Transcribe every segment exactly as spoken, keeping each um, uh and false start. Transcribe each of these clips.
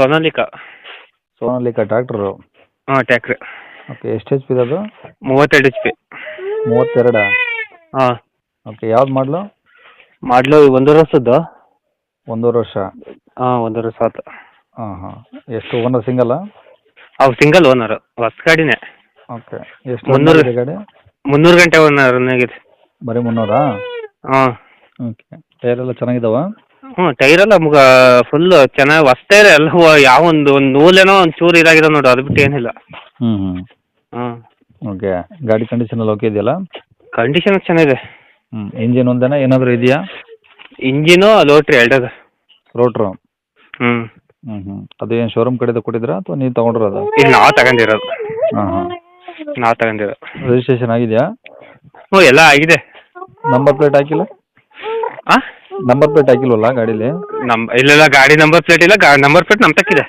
Sonalika. Sonalika tractor. ಹಾಂ ಟ್ಯಾಕ್ಟ್ರಿ. Okay, ಎಷ್ಟು ಎಚ್ ಪಿ ಅದು? ಮೂವತ್ತೆರಡು ಎಚ್ ಪಿ. ಮೂವತ್ತೆರಡಾ? ಹಾಂ. ಓಕೆ, ಯಾವ್ದು ಮಾಡಲು? ಮಾಡಲು ಒಂದೂವರೆ ವರ್ಷದ್ದು. ಒಂದೂವರೆ ವರ್ಷ? ಹಾಂ ಒಂದೂವರೆ ವರ್ಷ ಆಯ್ತು. ಹಾಂ ಹಾಂ. ಎಷ್ಟು ಓನರ್, ಸಿಂಗಲ್ಲಾ? ಅವು ಸಿಂಗಲ್ ಓನರು, ಹೊಸ ಗಾಡಿನೇ. ಓಕೆ, ಎಷ್ಟು ಮುನ್ನೂರು ಇದೆ ಗಾಡಿ? ಮುನ್ನೂರು ಗಂಟೆ ಓನರ್ ಆಗಿದೆ. ಬರೀ ಮುನ್ನೂರಾ? ಹಾಂ. ಓಕೆ, ಟೈರ್ ಎಲ್ಲ ಚೆನ್ನಾಗಿದಾವ? ಹ್ಞೂ ಟೈರೆಲ್ಲ ಮುಗ ಫುಲ್ಲು ಚೆನ್ನಾಗಿ ಹೊಸ್ತಾ ಇದೆ ಎಲ್ಲ. ಯಾವ ಒಂದು ಒಂದು ನೂಲೇನೋ ಒಂದು ಚೂರು ಇದಾಗಿದೆ ನೋಡು, ಅದು ಬಿಟ್ಟು ಏನಿಲ್ಲ. ಹ್ಞೂ ಹ್ಞೂ. ಹಾಂ. ಓಕೆ, ಗಾಡಿ ಕಂಡೀಷನ್ ಎಲ್ಲ ಓಕೆ ಇದೆಯಲ್ಲ? ಕಂಡೀಷನ್ ಚೆನ್ನಾಗಿದೆ. ಹ್ಞೂ, ಇಂಜಿನ್ ಒಂದೇನಾ ಏನಾದರೂ ಇದೆಯಾ? ಇಂಜಿನು ಲೋಟ್ರಿ ಎರಡದು. ರೋಟ್ರು? ಹ್ಞೂ. ಹ್ಞೂ ಹ್ಞೂ. ಅದು ಏನು ಶೋರೂಮ್ ಕಡೆದು ಕೊಟ್ಟಿದ್ರಾ ಅಥವಾ ನೀವು ತೊಗೊಂಡಿರೋದು? ಇದು ನಾವು ತಗೊಂಡಿರೋದು. ಹಾಂ ಹಾಂ. ನಾವು ತಗೊಂಡಿರೋದು. ರಿಜಿಸ್ಟ್ರೇಷನ್ ಆಗಿದೆಯಾ? ಹ್ಞೂ ಎಲ್ಲ ಆಗಿದೆ. ನಂಬರ್ ಪ್ಲೇಟ್ ಹಾಕಿಲ್ಲ? ಹಾಂ ನಂಬರ್ ಪ್ಲೇಟ್ ಹಾಕಿಲ್ವಲ್ಲ ಗಾಡೀಲಿ? ನಮ್ ಇಲ್ಲೆಲ್ಲ ಗಾಡಿ ನಂಬರ್ ಪ್ಲೇಟ್ ಇಲ್ಲ. ಗಾ ನಂಬರ್ ಪ್ಲೇಟ್ ನಮ್ಮ ತಕ್ಕಿದೆ.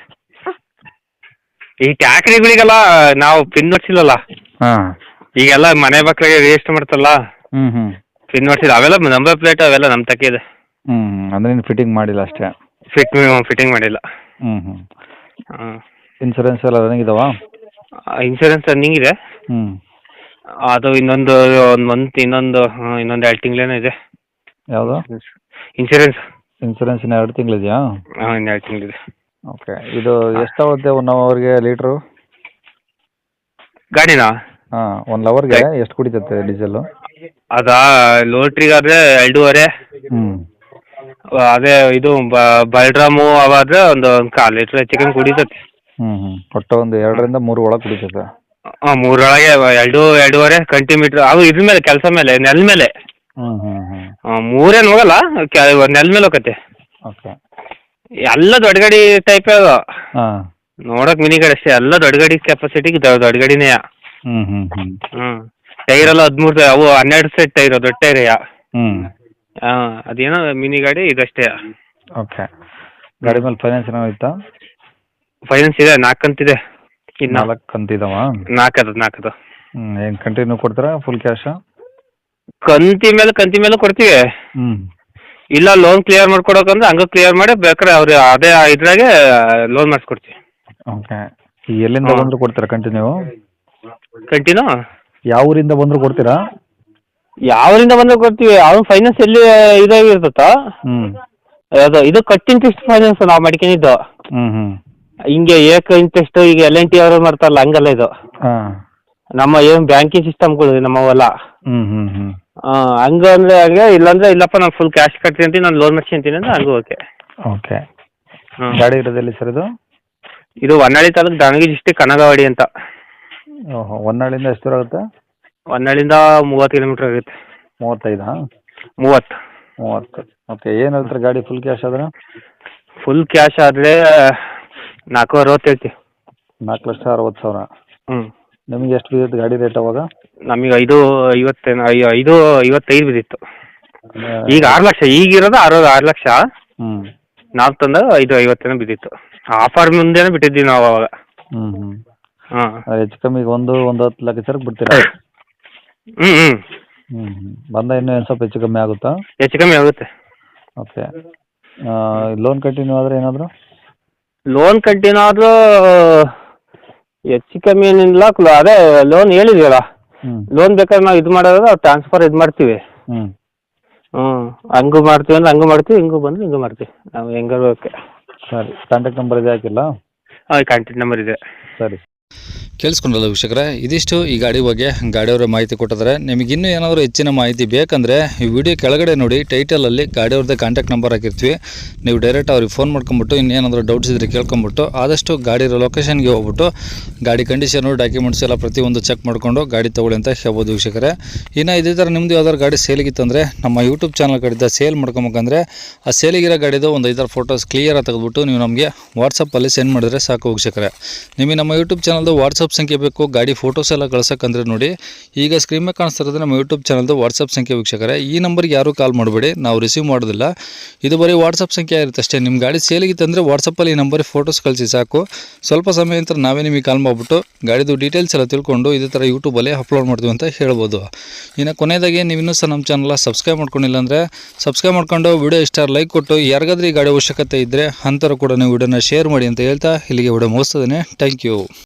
ಈ ಟ್ಯಾಕ್ರಿಗಳಿಗೆಲ್ಲ ನಾವು ಪಿನ್ ಹೊಡ್ಸಿಲ್ಲಲ್ಲ. ಹಾಂ. ಈಗೆಲ್ಲ ಮನೆ ಮಕ್ಕಳಿಗೆ ರಿಜಿಸ್ಟರ್ ಮಾಡ್ತಲ್ಲ, ಹ್ಞೂ ಹ್ಞೂ. ಪಿನ್ ಹೊಡ್ಸಿಲ್ಲ. ಅವೆಲ್ಲ ನಂಬರ್ ಪ್ಲೇಟ್ ಅವೆಲ್ಲ ನಮ್ಮ ತಕ್ಕಿದೆ. ಹ್ಞೂ ಹ್ಞೂ. ಅಂದರೆ ನೀನು ಫಿಟ್ಟಿಂಗ್ ಮಾಡಿಲ್ಲ ಅಷ್ಟೇ? ಫಿಟ್ ಫಿಟ್ಟಿಂಗ್ ಮಾಡಿಲ್ಲ. ಹ್ಞೂ ಹ್ಞೂ. ಹಾಂ. ಇನ್ಸೂರೆನ್ಸ್ ಎಲ್ಲ ರನ್ನಿಂಗ್ ಇದಾವಾ? ಇನ್ಸೂರೆನ್ಸ್ ರನ್ನಿಂಗ್ ಇದೆ. ಹ್ಞೂ. ಅದು ಇನ್ನೊಂದು ಒಂದು ಮಂತ್ ಇನ್ನೊಂದು ಹಾಂ ಇನ್ನೊಂದು ಎರಡು ತಿಂಗಳೇನೋ ಇದೆ. ಯಾವುದು? ಇನ್ಸೂರೆನ್ಸ್. ಇನ್ಸೂರೆನ್ಸ್ ಇನ್ನು ಎರಡು ತಿಂಗಳಿದೆಯಾ? ಹಾಂ ಇನ್ನು ಎರಡು ತಿಂಗಳಿದೆ. ಓಕೆ, ಇದು ಎಷ್ಟಾಗುತ್ತೆ ಒನ್ ಅವರ್ಗೆ ಲೀಟ್ರು? ಗಾಡಿನಾ? ಹಾಂ, ಒಂದು ಅವರ್ಗೆ ಎಷ್ಟು ಕುಡಿತೈತೆ ಡೀಸೆಲ್ಲು? ಅದಾ ಲೋಟ್ರಿಗಾದರೆ ಎರಡೂವರೆ. ಹ್ಞೂ. ಅದೇ ಇದು ಬಲ್ಡ್ರಾಮು ಅವಾದರೆ ಒಂದು ಒಂದು ಕಾಲು ಲೀಟ್ರ್ ಹೆಚ್ಚು ಕಮ್ಮಿ ಕುಡಿತೈತಿ. ಹ್ಞೂ ಹ್ಞೂ. ಒಟ್ಟು ಒಂದು ಎರಡರಿಂದ ಮೂರು ಒಳಗೆ ಕುಡಿತೈತೆ? ಹಾಂ ಮೂರೊಳಗೆ ಎರಡು ಎರಡೂವರೆ ಕಂಟಿಮೀಟ್ರ್ ಅವು ಇದ್ರ ಮೇಲೆ ಕೆಲಸ ಮೇಲೆ ನೆಲ ಮೇಲೆ. ಹ್ಞೂ ಹ್ಞೂ ಹ್ಞೂ. ಹಾಂ ಮೂರೇನು ಹೋಗಲ್ಲ, ಕೆ ನೆಲ ಮೇಲೆ ಹೋಗತ್ತೆ. ಓಕೆ. ಎಲ್ಲ ದೊಡ್ಡ ಗಾಡಿ ಟೈಪೇ ಅದು. ಹಾಂ. ನೋಡೋಕೆ ಮಿನಿ ಗಾಡಿ ಅಷ್ಟೇ, ಎಲ್ಲ ದೊಡ್ಡ ಗಾಡಿ ಕೆಪಾಸಿಟಿಗೆ ದೊಡ್ಡ ಗಾಡಿನೇ. ಹ್ಞೂ ಹ್ಞೂ ಹ್ಞೂ. ಹ್ಞೂ ಟೈರೆಲ್ಲ ಹದಿಮೂರು ಅವು ಹನ್ನೆರಡು ಸೆಟ್ ಟೈರು ದೊಡ್ಡ ಟೈರೆಯ. ಹ್ಞೂ. ಹಾಂ ಅದೇನೋ ಮಿನಿ ಗಾಡಿ ಇದಷ್ಟೇ. ಓಕೆ, ಗಾಡಿ ಮೇಲೆ ಫೈನಾನ್ಸ್ ಏನೋ ಇತ್ತಾ? ಫೈನಾನ್ಸ್ ಇದೆ, ನಾಲ್ಕು ಕಂತಿದೆ. ಇನ್ನು ನಾಲ್ಕು ಕಂತಿದಾವ? ನಾಲ್ಕದು ನಾಲ್ಕದು. ಹ್ಞೂ. ಏನು ಕಂಟಿನ್ಯೂ ಕೊಡ್ತೀರಾ ಫುಲ್ ಕ್ಯಾಶಾ? ಕಂತಿ ಮೇಲೆ ಕಂತಿ ಮೇಲೆ ಕೊಡ್ತೀವಿ. ಹ್ಞೂ. ಇಲ್ಲ ಲೋನ್ ಕ್ಲಿಯರ್ ಮಾಡ್ಕೊಡೋಕಂದ್ರೆ ಹಂಗೆ ಕ್ಲಿಯರ್ ಮಾಡಿ ಬೇಕಾದ್ರೆ ಅವ್ರು ಅದೇ ಇದ್ರಾಗೆ ಲೋನ್ ಮಾಡಿಸ್ಕೊಡ್ತೀವಿ. ಓಕೆ, ಈಗ ಎಲ್ಲಿಂದ ಬಂದರೂ ಕೊಡ್ತೀರಾ ಕಂಟಿನ್ಯೂ? ಕಂಟಿನ್ಯೂ ಯಾವ ಊರಿಂದ ಬಂದರೂ ಕೊಡ್ತೀರಾ? ಯಾವರಿಂದ ಬಂದ್ರೆ ಕೊಡ್ತೀವಿ. ಅವ್ನು ಫೈನಾನ್ಸ್ ಎಲ್ಲಿ ಇದಾಗಿರ್ತತ್ತ. ಹ್ಞೂ. ಅದು ಇದು ಕಟ್ ಇಂಟ್ರೆಸ್ಟ್ ಫೈನಾನ್ಸ್ ನಾವು ಮಾಡ್ಕೊಂಡಿದ್ದು. ಹ್ಞೂ ಹ್ಞೂ. ಹಿಂಗೆ ಏಕ ಇಂಟ್ರೆಸ್ಟ್ ಈಗ ಎಲ್ ಎನ್ ಟಿ ಅವರು ಮಾಡ್ತಾರಲ್ಲ ಹಂಗಲ್ಲ ಇದು. ಹಾಂ. ನಮ್ಮ ಏನು ಬ್ಯಾಂಕಿಂಗ್ ಸಿಸ್ಟಮ್ಗಳು ನಮ್ಮವೆಲ್ಲ. ಹ್ಞೂ ಹ್ಞೂ ಹ್ಞೂ. ಹಾಂ ಹಂಗೆ ಅಂದರೆ ಹಾಗೆ, ಇಲ್ಲಾಂದ್ರೆ ಇಲ್ಲಪ್ಪ ನಾನು ಫುಲ್ ಕ್ಯಾಶ್ ಕಟ್ತೀನಿ ಅಂತೀನಿ, ನಾನು ಲೋನ್ ಮಾಡ್ಸ್ಕೊಂತೀನಿ ಅಂದ್ರೆ ಹಂಗೂ ಓಕೆ. ಓಕೆ. ಹ್ಞೂ. ಗಾಡಿ ಇರೋದೆಲ್ಲಿ ಸರ್ ಇದು? ಇದು ಹೊನ್ನಾಳಿ ತಾಲೂಕು ದಾವಣಗೆರೆ ಡಿಸ್ಟಿಕ್ ಕನಗವಾಡಿ ಅಂತ. ಓಹೋ, ಹೊನ್ನಾಳಿಂದ ಎಷ್ಟು ದೂರ ಆಗುತ್ತೆ? ಹೊನ್ನಾಳಿಂದ ಮೂವತ್ತು ಕಿಲೋಮೀಟ್ರ್ ಆಗುತ್ತೆ. ಮೂವತ್ತೈದಾ? ಮೂವತ್ತು. ಮೂವತ್ತು. ಓಕೆ, ಏನು ಹೇಳ್ತಾರೆ ಗಾಡಿ ಫುಲ್ ಕ್ಯಾಶ್ ಆದ್ರೆ? ಫುಲ್ ಕ್ಯಾಶ್ ಆದರೆ ನಾಲ್ಕು ಅರವತ್ತು ಹೇಳ್ತೀವಿ. ನಾಲ್ಕು ಲಕ್ಷ ಅರವತ್ತು ಸಾವಿರ? ಹ್ಞೂ. ನಿಮಗೆ ಎಷ್ಟು ಬಿದ್ದಿತ್ತು ಗಾಡಿ ರೇಟ್ ಅವಾಗ? ನಮಗೆ ಐದು ಐವತ್ತೇನು ಐ ಐದು ಐವತ್ತೈದು ಬಿದ್ದಿತ್ತು. ಈಗ ಆರು ಲಕ್ಷ ಈಗಿರೋದು ಆರು ಆರು ಲಕ್ಷ. ಹ್ಞೂ. ನಾವು ತಂದಾಗ ಐದು ಐವತ್ತೇನೋ ಬಿದ್ದಿತ್ತು. ಆಫರ್ ಮುಂದೆನೇ ಬಿಟ್ಟಿದ್ದೀವಿ ನಾವು ಅವಾಗ. ಹ್ಞೂ ಹ್ಞೂ. ಹಾಂ ಹೆಚ್ಚು ಕಮ್ಮಿ ಒಂದು ಒಂದು ಹತ್ತು ಲಕ್ಷ ಸರಕ್ಕೆ ಬಿಡ್ತೀರಾ? ಹ್ಞೂ ಹ್ಞೂ. ಹ್ಞೂ ಹ್ಞೂ. ಬಂದ ಇನ್ನೂ ಏನು ಸ್ವಲ್ಪ ಹೆಚ್ಚು ಕಮ್ಮಿ ಆಗುತ್ತಾ? ಹೆಚ್ಚು ಕಮ್ಮಿ ಆಗುತ್ತೆ. ಓಕೆ. ಲೋನ್ ಕಂಟಿನ್ಯೂ ಆದರೆ ಏನಾದರೂ? ಲೋನ್ ಕಂಟಿನ್ಯೂ ಆದರೂ ಹೆಚ್ಚು ಕಮ್ಮಿ ಏನಿಲ್ಲ. ಅದೇ ಲೋನ್ ಹೇಳಿದೀವಲ್ಲ, ಹ್ಞೂ. ಲೋನ್ ಬೇಕಾದ್ರೆ ನಾವು ಇದು ಮಾಡೋದು ಟ್ರಾನ್ಸ್ಫರ್ ಇದು ಮಾಡ್ತೀವಿ. ಹ್ಞೂ. ಹ್ಞೂ ಹಂಗೂ ಮಾಡ್ತೀವಿ ಅಂದ್ರೆ ಹಂಗೂ ಮಾಡ್ತೀವಿ, ಹಿಂಗೂ ಬಂದರೆ ಹಿಂಗೂ ಮಾಡ್ತೀವಿ. ನಾವು ಹೆಂಗಾರು ಓಕೆ. ಸರಿ, ಕಾಂಟ್ಯಾಕ್ಟ್ ನಂಬರ್ ಇದೆ ಹಾಕಿಲ್ಲ? ಹಾಂ ಕಾಂಟ್ಯಾಕ್ಟ್ ನಂಬರ್ ಇದೆ. ಸರಿ. ಕೇಳಿಸ್ಕೊಂಡಲ್ಲ ವೀಕ್ಷಕರೇ, ಇದಿಷ್ಟು ಈ ಗಾಡಿ ಬಗ್ಗೆ ಗಾಡಿಯವರ ಮಾಹಿತಿ ಕೊಟ್ಟಿದ್ದಾರೆ. ನಿಮಗೆ ಇನ್ನೂ ಏನಾದರೂ ಹೆಚ್ಚಿನ ಮಾಹಿತಿ ಬೇಕಂದರೆ ಈ ವಿಡಿಯೋ ಕೆಳಗಡೆ ನೋಡಿ ಟೈಟಲಲ್ಲಿ ಗಾಡಿಯವ್ರದ್ದೇ ಕಾಂಟ್ಯಾಕ್ಟ್ ನಂಬರ್ ಹಾಕಿರ್ತೀವಿ. ನೀವು ಡೈರೆಕ್ಟ್ ಅವ್ರಿಗೆ ಫೋನ್ ಮಾಡ್ಕೊಂಬಿಟ್ಟು ಇನ್ನೇನಾದರೂ ಡೌಟ್ಸ್ ಇದ್ದರೆ ಕೇಳ್ಕೊಂಬಿಟ್ಟು ಆದಷ್ಟು ಗಾಡಿ ಇರೋ ಲೊಕೇಶನ್ಗೆ ಹೋಗ್ಬಿಟ್ಟು ಗಾಡಿ ಕಂಡೀಷನು ಡಾಕ್ಯುಮೆಂಟ್ಸ್ ಎಲ್ಲ ಪ್ರತಿಯೊಂದು ಚೆಕ್ ಮಾಡಿಕೊಂಡು ಗಾಡಿ ತೊಗೊಳ್ಳಿ ಅಂತ ಹೇಳ್ಬೋದು ವೀಕ್ಷಕರೇ. ಇನ್ನು ಇದೇ ಥರ ನಿಮ್ಮದು ಯಾವ್ದಾದ್ರು ಗಾಡಿ ಸೇಲಿಗಿತ್ತಂದರೆ ನಮ್ಮ ಯೂಟ್ಯೂಬ್ ಚಾನಲ್ ಕಡೆಯಿಂದ ಸೇಲ್ ಮಾಡ್ಕೊಬೇಕಂದ್ರೆ ಆ ಸೇಲಿಗಿರೋ ಗಾಡಿದು ಒಂದು ಐದಾರು ಫೋಟೋಸ್ ಕ್ಲಿಯರಾಗಿ ತೆಗೆದುಬಿಟ್ಟು ನೀವು ನಮಗೆ ವಾಟ್ಸಪ್ಪಲ್ಲಿ ಸೆಂಡ್ ಮಾಡಿದ್ರೆ ಸಾಕು ವೀಕ್ಷಕರೇ. ನಿಮಗೆ ನಮ್ಮ ಯೂಟ್ಯೂಬ್ ಚಾನಲ್ದು ವಾಟ್ಸಪ್ ವಾಟ್ಸಪ್ ಸಂಖ್ಯೆ ಬೇಕು ಗಾಡಿ ಫೋಟೋಸ್ ಎಲ್ಲ ಕಳ್ಸೋಕ್ಕಂದ್ರೆ ನೋಡಿ ಈಗ ಸ್ಕ್ರೀನ್ ಮೇಲೆ ಕಾಣಿಸ್ತಿರೋದು ನಮ್ಮ ಯೂಟ್ಯೂಬ್ ಚಾನಲ್ದು ವಾಟ್ಸಪ್ ಸಂಖ್ಯೆ ವೀಕ್ಷಕರೇ. ಈ ನಂಬರ್ಗೆ ಯಾರೂ ಕಾಲ್ ಮಾಡಬೇಡಿ, ನಾವು ರಿಸೀವ್ ಮಾಡೋದಿಲ್ಲ. ಇದು ಬರೀ ವಾಟ್ಸಪ್ ಸಂಖ್ಯೆ ಇರುತ್ತೆ ಅಷ್ಟೇ. ನಿಮ್ಮ ಗಾಡಿ ಸೇಲಿಗಿತ್ತಂದರೆ ವಾಟ್ಸಪ್ಪಲ್ಲಿ ಈ ನಂಬರಿಗೆ ಫೋಟೋಸ್ ಕಳಿಸಿ ಸಾಕು. ಸ್ವಲ್ಪ ಸಮಯ ನಂತರ ನಾವೇ ನಿಮಗೆ ಕಾಲ್ ಮಾಡಿಬಿಟ್ಟು ಗಾಡಿದು ಡೀಟೇಲ್ಸ್ ಎಲ್ಲ ತಿಳ್ಕೊಂಡು ಇದೇ ಥರ ಯೂಟ್ಯೂಬಲ್ಲಿ ಅಪ್ಲೋಡ್ ಮಾಡ್ತೀವಿ ಅಂತ ಹೇಳ್ಬೋದು. ಇನ್ನು ಕೊನೆಯದಾಗಿ ನೀವು ಇನ್ನೂ ಸಹ ನಮ್ಮ ಚಾನಲ್ ಸಬ್ಸ್ಕ್ರೈಬ್ ಮಾಡ್ಕೊಂಡಿಲ್ಲ ಅಂದರೆ ಸಬ್ಸ್ಕ್ರೈಬ್ ಮಾಡ್ಕೊಂಡು ವಿಡಿಯೋ ಇಷ್ಟ ಲೈಕ್ ಕೊಟ್ಟು ಯಾರಿಗಾದ್ರೂ ಈ ಗಾಡಿ ಅವಶ್ಯಕತೆ ಇದ್ದರೆ ಅಂಥವ್ರು ಕೂಡ ನೀವು ವಿಡಿಯೋನ ಶೇರ್ ಮಾಡಿ ಅಂತ ಹೇಳ್ತಾ ಇಲ್ಲಿಗೆ ವಿಡಿಯೋ ಮುಗಿಸ್ತೇನೆ. Thank you.